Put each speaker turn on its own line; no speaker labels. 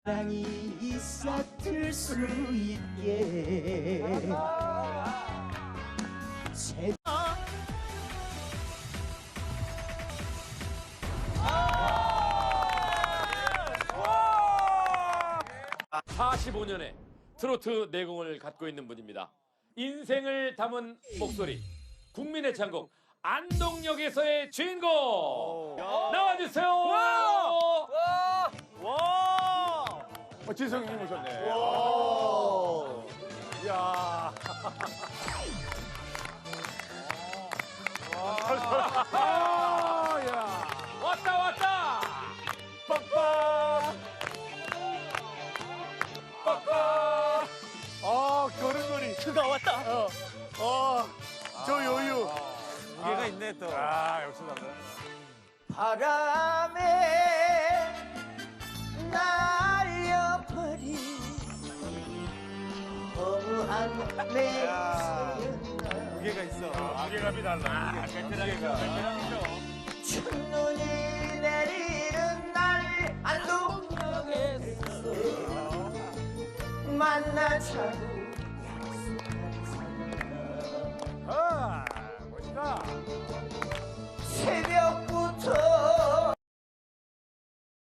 사랑이 있었을 수 있게
아! 45년의 트로트 내공을 갖고 있는 분입니다. 인생을 담은 목소리, 국민의 창곡 안동역에서의 주인공 나와주세요.
지성님 오셨네. 이야. 야.
왔다.
빡빡. 빡빡. 걸음걸이.
그가 왔다.
저 여유.
무게가 있네 또.
역시 남자.
바람에 날려버린 허무한 내
무게가 있어.
무게감이 달라.
첫눈이 내리는 날 안동역에서 만나 자고